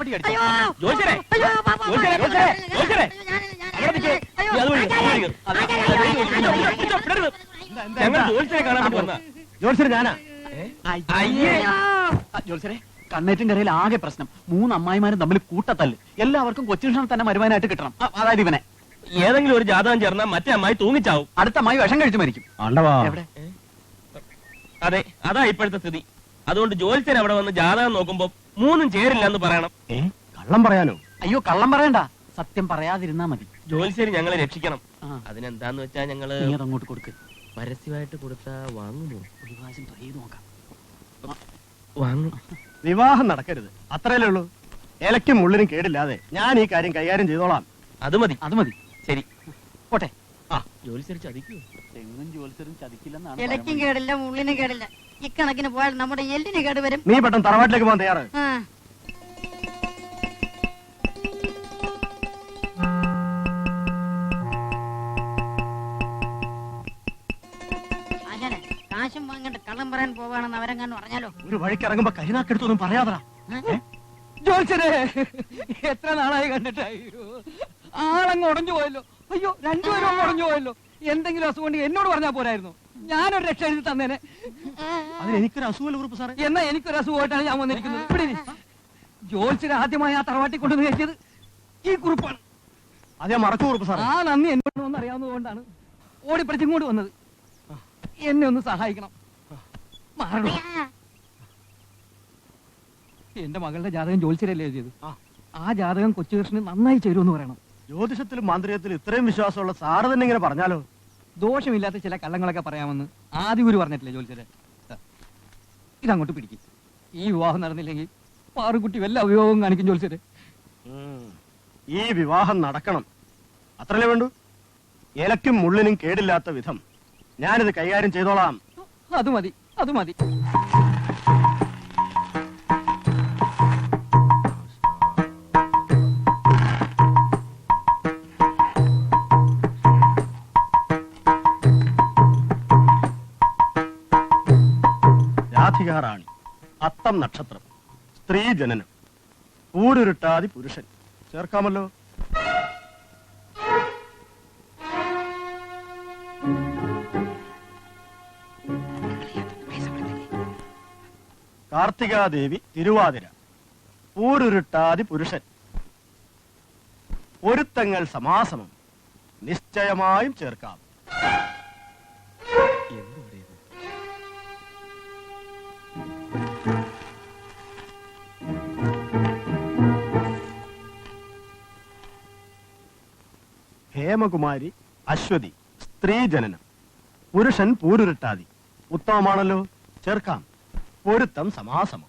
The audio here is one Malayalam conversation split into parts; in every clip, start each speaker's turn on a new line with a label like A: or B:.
A: കൈപ്പറ്റി അടിച്ചു. ജോത്സ്യരെ, ജോത്സ്യരെ, ജോത്സ്യരെ, അവിടെ നിൽക്ക്. നീ അത് വഴി, ഞങ്ങൾ ജോത്സ്യരെ കാണാൻ വേണ്ടി വന്ന.
B: ജോത്സ്യരെ ഞാനാ.
A: അയ്യേ
B: ജോത്സ്യരെ, കണ്ണേറ്റിന്റെ കരയിൽ ആകെ പ്രശ്നം. 3 അമ്മായിമാരും തമ്മിൽ കൂട്ടത്തല്ല്. എല്ലാവർക്കും കൊച്ചുകൃഷ്ണൻ തന്നെ മരുവാനായിട്ട് കിട്ടണം. അതായത് ഇവനെ.
A: ഏതെങ്കിലും ഒരു ജാതകം ചേർന്നാൽ മറ്റേ അമ്മായി തൂങ്ങിച്ചാവും.
B: അടുത്ത അമ്മായി വിഷം കഴിച്ചു മരിക്കും. എവിടെ?
A: അതെ, അതാ ഇപ്പോഴത്തെ സ്ഥിതി. അതുകൊണ്ട് ജോത്സ്യൻ അവിടെ വന്ന് ജാതകം നോക്കുമ്പോ 3 ചേരില്ല എന്ന് പറയണം.
B: കള്ളം പറയാനോ? അയ്യോ, കള്ളം പറയണ്ട, സത്യം പറയാതിരുന്നാ മതി.
A: ജോത്സ്യൻ ഞങ്ങളെ രക്ഷിക്കണം. അതിനെന്താന്ന് വെച്ചാ ഞങ്ങള്
B: അങ്ങോട്ട് കൊടുക്ക്.
A: പരസ്യമായിട്ട് കൊടുത്താ വാങ്ങുമോ?
B: ഒരു പ്രാവശ്യം ട്രൈ ചെയ്ത് നോക്കാം.
A: വാങ്ങും.
B: വിവാഹം നടക്കരുത്, അത്രയല്ലേ ഉള്ളൂ. ഇലയ്ക്കും മുള്ളിനും കേടില്ലാതെ ഞാൻ ഈ കാര്യം കൈകാര്യം ചെയ്തോളാം.
A: അത് മതി, അത് മതി. ശരി,
B: പോട്ടെ.
A: ജോത്സ്യർ ചതിക്കൂ?
B: തെങ്ങും ജോത്സ്യരും ചതിക്കില്ലെന്നാണ്.
C: ഇലയ്ക്കും കേടില്ല, മുള്ളിനും കേടില്ല. ഇക്കണക്കിന് പോയാൽ നമ്മുടെ എല്ലിന് കേട് വരും.
B: നീ പെട്ടെന്ന് തറവാട്ടിലേക്ക് പോകാൻ തയ്യാറ്?
C: അങ്ങനെ കാശും വാങ്ങേണ്ട കള്ളം പറയാൻ പോവാണെന്ന് അവരെങ്ങാനും പറഞ്ഞാലോ?
B: ഒരു വഴിക്ക് ഇറങ്ങുമ്പോ കരിനാക്കെടുത്തൊന്നും പറയാതാ.
D: ജോത്സ്യരെ, എത്ര നാളായി കണ്ടിട്ടായി. ആളങ്ങ് ഉടഞ്ഞു പോയല്ലോ. അയ്യോ, രണ്ടുപേരും അങ്ങ് ഉടഞ്ഞു പോയല്ലോ. എന്തെങ്കിലും അസുഖം കൊണ്ട് എന്നോട് പറഞ്ഞാൽ പോരായിരുന്നു. ഞാനൊരു രക്ഷ എഴുതി തന്നേനെ.
B: അതിനെനിക്കൊരു അസുഖമല്ല കുറുപ്പ് സാറേ.
D: എന്നാ എനിക്കൊരു അസുഖമായിട്ടാണ് ഞാൻ വന്നിരിക്കുന്നത്. ഇവിടെ ജോത്സ്യരെ ആദ്യമായി ആ തറവാട്ടി കൊണ്ടുവന്ന് കയറ്റിയത് ഈ കുറിപ്പാണ്.
B: അതേ മറക്കൂ കുറുപ്പ് സാറേ.
D: ആ നന്ദി എന്നോട് ഒന്ന് അറിയാവുന്നതുകൊണ്ടാണ് ഓടിപ്പടിച്ചിങ്ങോട്ട് വന്നത്. എന്നെ ഒന്ന് സഹായിക്കണം. മാറണം. എന്റെ മകളുടെ ജാതകം ജോത്സ്യരല്ലേ എഴുതിയത്. ആ ജാതകം കൊച്ചുകൃഷ്ണന് നന്നായി ചേരുമെന്ന് പറയണം.
B: ജ്യോതിഷത്തിലും മാന്ത്രികത്തിലും ഇത്രയും വിശ്വാസമുള്ള സാറ് തന്നെ ഇങ്ങനെ പറഞ്ഞാലോ?
D: ദോഷമില്ലാത്ത ചില കള്ളങ്ങളൊക്കെ പറയാമെന്ന് ആദിഗുരു പറഞ്ഞിട്ടില്ലേ ജോത്സ്യരെ? ഇതങ്ങോട്ട് പിടിക്കും. ഈ വിവാഹം നടന്നില്ലെങ്കിൽ പാറുകുട്ടി വല്ല അഭിയോഗം കാണിക്കും ജോത്സ്യരെ.
B: ഈ വിവാഹം നടക്കണം, അത്രല്ലേ വേണ്ടു. ഇലയ്ക്കും മുള്ളിനും കേടില്ലാത്ത വിധം ഞാനിത് കൈകാര്യം ചെയ്തോളാം.
D: അത് മതി, അത് മതി.
B: റാണി, അത്തം നക്ഷത്രം, സ്ത്രീ ജനനം, ഊരുരുട്ടാതി പുരുഷൻ. ചേർക്കാമല്ലോ? കാർത്തികാദേവി തിരുവാതിര, ഊരുരുട്ടാതി പുരുഷൻ. പൊരുത്തങ്ങൾ സമാസമം, നിശ്ചയമായും ചേർക്കാം. ഹേമകുമാരി അശ്വതി, സ്ത്രീ ജനനം, പുരുഷൻ പൂരുരുട്ടാതി. ഉത്തമമാണല്ലോ, ചേർക്കാം. പൊരുത്തം സമാസമം.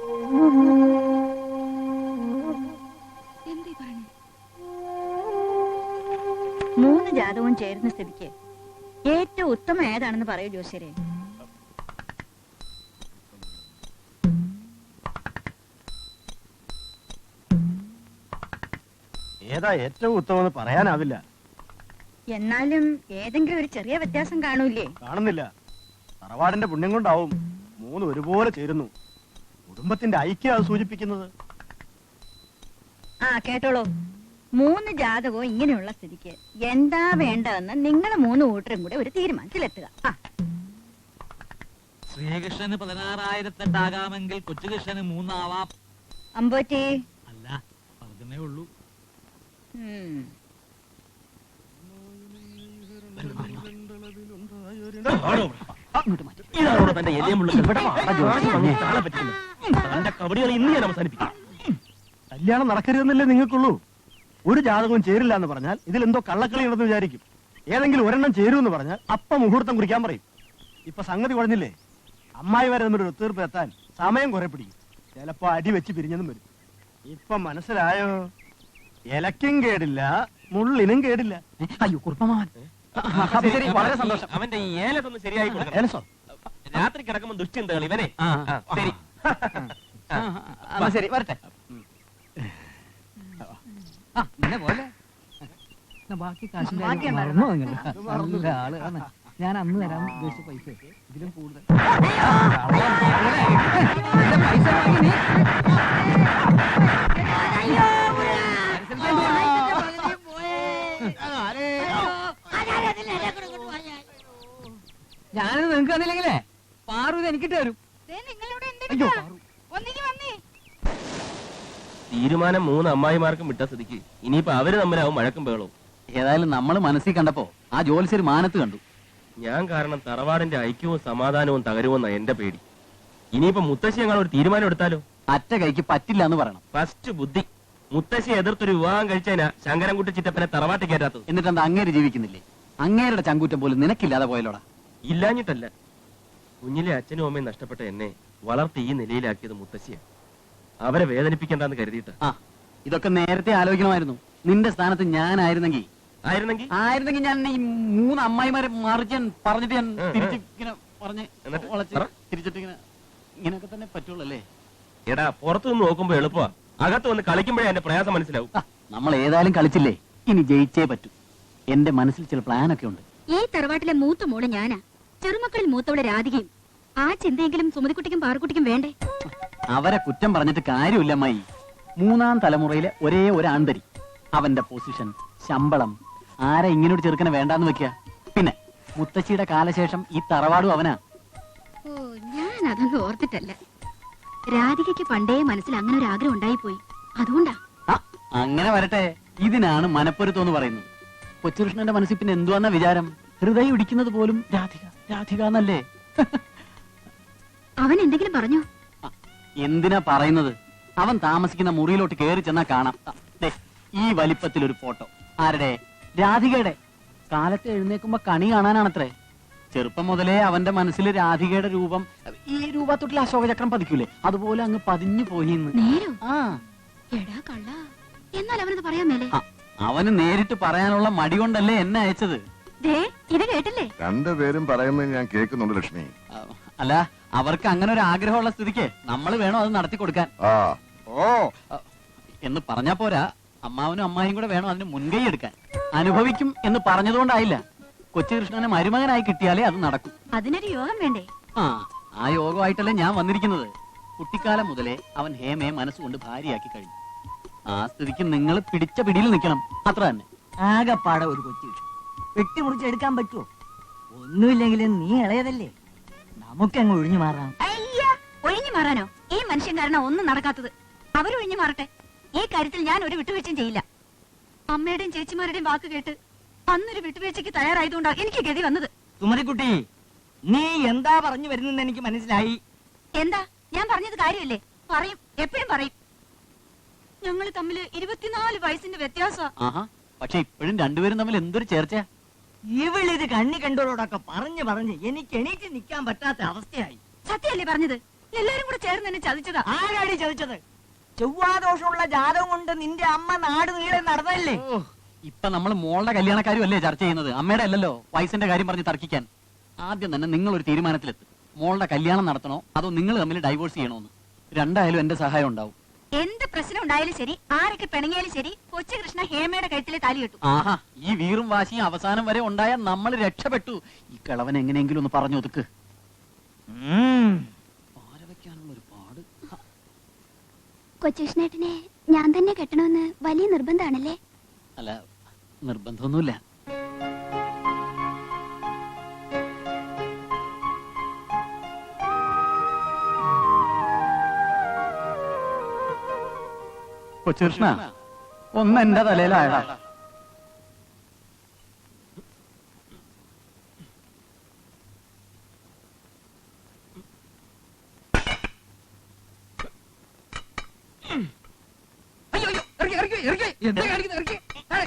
C: മൂന്ന് ജാതകവും ചേരുന്ന സ്ഥിതിക്ക് ഏറ്റവും ഉത്തമം ഏതാണെന്ന് പറയൂ ജോത്സ്യരെ.
B: ഏതാ ഏറ്റവും ഉത്തമെന്ന് പറയാനാവില്ല.
C: എന്നാലും ഏതെങ്കിലും ഒരു ചെറിയ വ്യത്യാസം കാണൂലേ?
B: കാണുന്നില്ല. തറവാടിന്റെ പുണ്യം കൊണ്ടാവും 3 ഒരുപോലെ ചേരുന്നു. കുടുംബത്തിന്റെ ഐക്യം അത് സൂചിപ്പിക്കുന്നത്.
C: കേട്ടോളൂ. 3 ജാതകവും ഇങ്ങനെയുള്ള സ്ഥിതിക്ക് എന്താ വേണ്ടതെന്ന് നിങ്ങൾ 3 കൂട്ടരും കൂടെ ഒരു തീരുമാനത്തിലെത്തുക.
E: ശ്രീകൃഷ്ണന് 16,008 കൊച്ചുകൃഷ്ണന് 3 ആവാം.
C: അമ്പോറ്റി
E: അല്ല, പറഞ്ഞേ ഉള്ളൂ.
B: കല്യാണം നടക്കരുതെന്നല്ലേ നിങ്ങൾക്കുള്ളൂ. ഒരു ജാതകവും ചേരില്ല എന്ന് പറഞ്ഞാൽ ഇതിലെന്തോ കള്ളക്കളി ഉണ്ടെന്ന് വിചാരിക്കും. ഏതെങ്കിലും ഒരെണ്ണം ചേരുമെന്ന് പറഞ്ഞാൽ അപ്പം മുഹൂർത്തം കുറിക്കാൻ പറയും. ഇപ്പൊ സംഗതി കുഴഞ്ഞില്ലേ? അമ്മായി വരെ തമ്മിൽ ഒത്തുതീർപ്പ് എത്താൻ സമയം കുറെ പിടിക്കും. ചിലപ്പോ അടി വെച്ച് പിരിഞ്ഞതും വരും. ഇപ്പൊ മനസ്സിലായോ? ഇലയ്ക്കും കേടില്ല, മുള്ളിനും കേടില്ല.
D: അയ്യോ കുറുപ്പമാവൻ, വളരെ സന്തോഷം.
A: അവന്റെ ഈ ഏലത്തൊന്ന് ശരിയായി കൊടുക്കണം. രാത്രി കിടക്കുമ്പോ ദുശ്ചിന്തകൾ ഇവനെ. ശരി,
D: ശരി വരട്ടെ. പോലെ ബാക്കി കാശിന്റെ മറന്നോ നിങ്ങൾ? നല്ല ആള് ആണ്. ഞാൻ അന്ന് തരാൻ ഉദ്ദേശിച്ച പൈസ ഇതിലും കൂടുതൽ പൈസ തന്നില്ലെങ്കിലേ പാറു ഇത് എനിക്കിട്ട് തരും.
C: നിങ്ങളിവിടെ
D: അയ്യോ പാറു.
C: ഒന്നിങ്ങി വന്നേ.
A: തീരുമാനം 3 അമ്മായിമാർക്കും വിട്ട സ്ഥിതിക്ക് ഇനിയിപ്പോ അവര് തമ്മിലാവും മഴക്കും ബഹളവും.
F: ഏതായാലും നമ്മൾ മനസ്സിൽ കണ്ടപ്പോ ആ ജോലിശ്ശേരി മാനത്ത് കണ്ടു.
A: ഞാൻ കാരണം തറവാടിന്റെ ഐക്യവും സമാധാനവും തകരുമെന്ന എന്റെ പേടി. ഇനിയിപ്പോ മുത്തശ്ശി ഞങ്ങൾ ഒരു തീരുമാനം എടുത്താലോ?
F: അറ്റ കൈക്ക് പറ്റില്ല എന്ന് പറയണം.
A: ഫസ്റ്റ് ബുദ്ധി. മുത്തശ്ശി എതിർത്തൊരു വിവാഹം കഴിച്ചതിനാ ശങ്കരൻകുട്ടി ചിറ്റപ്പനെ തറവാട്ടി കയറ്റാത്തത്.
F: എന്നിട്ട് എന്താ അങ്ങേര് ജീവിക്കുന്നില്ലേ? അങ്ങേരുടെ ചങ്കൂറ്റം പോലും നിനക്കില്ലാതെ പോയല്ലോടാ.
A: ഇല്ലാഞ്ഞിട്ടല്ല, കുഞ്ഞിലെ അച്ഛനും അമ്മയും നഷ്ടപ്പെട്ട എന്നെ വളർത്തി ഈ നിലയിലാക്കിയത് മുത്തശ്ശിയാ. അവരെ വേദനിപ്പിക്കണ്ടെന്ന് കരുതിയിട്ട്.
F: ആ ഇതൊക്കെ നേരത്തെ ആലോചിക്കണമായിരുന്നു. നിന്റെ സ്ഥാനത്ത് ഞാനായിരുന്നെങ്കിൽ
A: ആയിരുന്നെങ്കിൽ
F: ഞാൻ ഈ 3 അമ്മായിമാരെ മറിച്ച് പറഞ്ഞിട്ട് ഞാൻ തിരിച്ച് ഇങ്ങനെ പറഞ്ഞ്
A: എന്നിട്ട്
F: വളച്ച്
A: പറ.
F: തിരിച്ചിട്ട് ഇങ്ങനെയൊക്കെ തന്നെ പറ്റുള്ളൂ അല്ലേ?
A: എടാ, പുറത്തു നിന്ന് നോക്കുമ്പോ എളുപ്പമാ, അകത്ത് വന്ന് കളിക്കുമ്പോഴേ എന്റെ പ്രയാസം മനസ്സിലാവും.
F: നമ്മൾ ഏതായാലും കളിച്ചില്ലേ, ഇനി ജയിച്ചേ പറ്റൂ. എന്റെ മനസ്സിൽ ചില പ്ലാനൊക്കെ ഉണ്ട്.
C: ഈ തറവാട്ടിലെ മൂത്ത മോള് ഞാനാ. ചെറുമക്കളിൽ മൂത്തവളെ രാധികയും. ആ ചിന്തയെങ്കിലും സുമതിക്കുട്ടിക്കും പാറുക്കുട്ടിക്കും വേണ്ടേ?
F: അവരെ കുറ്റം പറഞ്ഞിട്ട് കാര്യമില്ല അമ്മായി. 3ാം തലമുറയിലെ ഒരേ ഒരു ആൺതരി. അവന്റെ പൊസിഷൻ, ശമ്പളം, ആരെ ഇങ്ങനൊരു ചെറുക്കനെ വേണ്ടാന്ന് വെക്കുക. പിന്നെ മുത്തശ്ശിയുടെ കാലശേഷം ഈ തറവാടും അവനാ.
C: ഓ, ഞാൻ അതൊന്നും ഓർത്തിട്ടല്ല. രാധികയ്ക്ക് പണ്ടേ മനസ്സിൽ അങ്ങനെ ഒരു ആഗ്രഹം ഉണ്ടായിപ്പോയി. അതുകൊണ്ടാ.
F: ആ, അങ്ങനെ വരട്ടെ. ഇതിനാണ് മനപ്പൊരുത്തം എന്ന് പറയുന്നത്. കൊച്ചുകൃഷ്ണന്റെ മനസ്സിൽ പിന്നെ എന്തുവാന്ന വിചാരം? ഹൃദയം ഇടിക്കുന്നത് പോലും രാധിക രാധിക എന്നല്ലേ?
C: അവൻ എന്തെങ്കിലും പറഞ്ഞോ?
F: എന്തിനാ പറയുന്നത്? അവൻ താമസിക്കുന്ന മുറിയിലോട്ട് കയറി ചെന്നാ കാണാം. ദേ, ഈ വലിപ്പത്തിൽ ഒരു ഫോട്ടോ. ആരുടെ? രാധികയുടെ. കാലത്ത് എഴുന്നേക്കുമ്പോ കണി കാണാനാണത്രേ. ചെറുപ്പം മുതലേ അവന്റെ മനസ്സിൽ രാധികയുടെ രൂപം, ഈ രൂപത്തൊട്ടിൽ അശോകചക്രം പതിക്കൂലേ, അതുപോലെ അങ്ങ് പതിഞ്ഞു പോയിന്ന്.
C: നേരോ?
F: ആ,
C: എടാ കള്ള, എന്നാൽ അവനത് പറയാൻ മേലേ?
F: ആ, അവന് നേരിട്ട് പറയാനുള്ള മടി കൊണ്ടല്ലേ എന്നെ അയച്ചത്.
C: ദേ, ഇത് കേട്ടില്ലേ?
G: രണ്ടുപേരും പറയുന്നത് ഞാൻ കേൾക്കുന്നുണ്ട് ലക്ഷ്മി.
F: ആ, അല്ല, അവർക്ക് അങ്ങനെ ഒരു ആഗ്രഹമുള്ള സ്ഥിതിക്ക് നമ്മൾ വേണോ അത് നടത്തി കൊടുക്കാൻ.
G: ആ
F: ഓ എന്ന് പറഞ്ഞാ പോരാ, അമ്മാവനും അമ്മായും കൂടെ വേണം അതിന് മുൻകൈ എടുക്കാൻ. അനുഭവിക്കും എന്ന് പറഞ്ഞതുകൊണ്ടായില്ല. കൊച്ചുകൃഷ്ണനെ മരുമകനായി കിട്ടിയാലേ അത് നടക്കും.
C: അതിനൊരു യോഗം വേണ്ടേ?
F: ആ യോഗമായിട്ടല്ലേ ഞാൻ വന്നിരിക്കുന്നത്. കുട്ടിക്കാലം മുതലേ അവൻ ഹേമയെ മനസ്സുകൊണ്ട് ഭാര്യയാക്കി കഴിഞ്ഞു. ആ സ്ഥിതിക്ക് നിങ്ങൾ പിടിച്ച പിടിയിൽ നിൽക്കണം, അത്ര തന്നെ.
H: ആകെപ്പാടെ ഒരു കൊച്ചു വെട്ടിമുറിച്ചെടുക്കാൻ പറ്റുമോ? ഒന്നുമില്ലെങ്കിലും നീ ഇളയതല്ലേ, നമുക്കങ്ങ് ഒഴിഞ്ഞു മാറാം.
C: അയ്യ, ഒഴിഞ്ഞു മാറാനോ? ഈ മനുഷ്യൻ കാരണം ഒന്നും നടക്കാത്തത്. അവരൊഴിഞ്ഞു മാറട്ടെ. ഈ കാര്യത്തിൽ ഞാൻ ഒരു വിട്ടുവീഴ്ചയും ചെയ്യില്ല. അമ്മയുടെയും ചേച്ചിമാരുടെയും വാക്ക് കേട്ട് അന്നൊരു വിട്ടുവീഴ്ചയ്ക്ക് തയ്യാറായതുകൊണ്ടാ എനിക്ക് ഗതി വന്നത്.
H: സുമതിക്കുട്ടി, നീ എന്താ പറഞ്ഞു വരുന്നെന്ന് എനിക്ക് മനസ്സിലായി.
C: എന്താ? ഞാൻ പറഞ്ഞത് കാര്യമല്ലേ? പറയും, എപ്പോഴും പറയും. ഞങ്ങൾ തമ്മില് 24 വയസ്സിന്റെ വ്യത്യാസമാ.
F: ആഹാ, പക്ഷെ ഇപ്പോഴും രണ്ടുപേരും തമ്മിൽ എന്തൊരു ചേർച്ച.
H: ഇവളിത് കണ്ണി കണ്ടോരോടൊക്കെ പറഞ്ഞ് എനിക്ക് എണീറ്റ് നിൽക്കാൻ പറ്റാത്ത അവസ്ഥയായി.
C: സത്യമല്ലേ പറഞ്ഞത്? എല്ലാരും കൂടെ ചേർന്ന് എന്നെ ചതിച്ചതാ.
H: ആരാടി ചതിച്ചത്? ചൊവ്വാദോഷമുള്ള ജാതകം കൊണ്ട് നിന്റെ അമ്മ നാട് നീളെ നടന്നല്ലേ.
F: ഇപ്പൊ നമ്മൾ മോളുടെ കല്യാണക്കാരും അല്ലേ ചർച്ച ചെയ്യുന്നത്, അമ്മയുടെ അല്ലല്ലോ. വയസ്സിന്റെ കാര്യം പറഞ്ഞ് തർക്കിക്കാൻ. ആദ്യം തന്നെ നിങ്ങൾ ഒരു തീരുമാനത്തിലെത്തും. മോളുടെ കല്യാണം നടത്തണോ അതോ നിങ്ങൾ തമ്മിൽ ഡൈവോഴ്സ് ചെയ്യണോന്ന്. രണ്ടായാലും എന്റെ സഹായം ഉണ്ടാവും.
C: എന്ത് പ്രശ്നം ഉണ്ടായാലും ശരി, ആരൊക്കെ പിണങ്ങിയാലും ശരി, കൊച്ചുകൃഷ്ണ ഹേമയുടെ കഴുത്തിലെ താലി കെട്ടും.
F: ആഹാ, ഈ വീറും വാശിയും അവസാനം വരെ ഉണ്ടായാൽ നമ്മൾ രക്ഷപ്പെട്ടു. ഈ കിളവൻ എങ്ങനെയെങ്കിലും ഒന്ന് പറഞ്ഞു ഒതുക്ക്. പാരവയ്ക്കാനുള്ള ഒരു പാട്.
I: കൊച്ചുകൃഷ്ണേട്ടനെ ഞാൻ തന്നെ കെട്ടണമെന്ന് വലിയ നിർബന്ധാണല്ലേ?
F: അല്ല, നിർബന്ധമൊന്നുമില്ല. കൊച്ചുകൃഷ്ണ, ഒന്ന് എന്റെ തലയിലായടാ.
D: അയ്യോ അയ്യോ, ഇറക്കി എന്താ കാണിക്കുന്നത്? ഇറക്കി.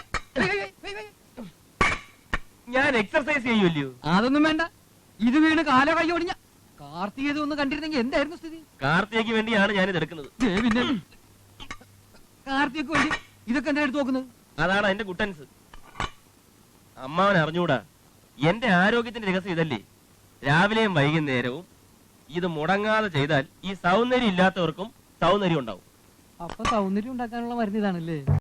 A: ഞാൻ എക്സർസൈസ് ചെയ്യുമല്ലോ.
D: അതൊന്നും വേണ്ട. ഇത് വീണ് കാലോ കൈ ഒടിഞ്ഞ കാർത്തികത ഒന്ന് കണ്ടിരുന്നെങ്കിൽ എന്തായിരുന്നു സ്ഥിതി?
A: കാർത്തികയ്ക്ക് വേണ്ടിയാണ് ഞാൻ ഇത് എടുക്കുന്നത്.
D: പിന്നെ കാർത്തികക്ക് വേണ്ടി ഇതൊക്കെ എന്താ എടുത്ത് നോക്കുന്നത്?
A: അതാണ് അതിന്റെ കുട്ടൻസ്. അമ്മാവൻ അറിഞ്ഞൂടാ, എന്റെ ആരോഗ്യത്തിന്റെ രഹസ്യം ഇതല്ലേ. രാവിലെയും വൈകുന്നേരവും ഇത് മുടങ്ങാതെ ചെയ്താൽ ഈ സൗന്ദര്യം ഇല്ലാത്തവർക്കും സൗന്ദര്യം ഉണ്ടാവും.
D: അപ്പൊ സൗന്ദര്യം ഉണ്ടാക്കാനുള്ള മരുന്ന് ഇതാണല്ലേ?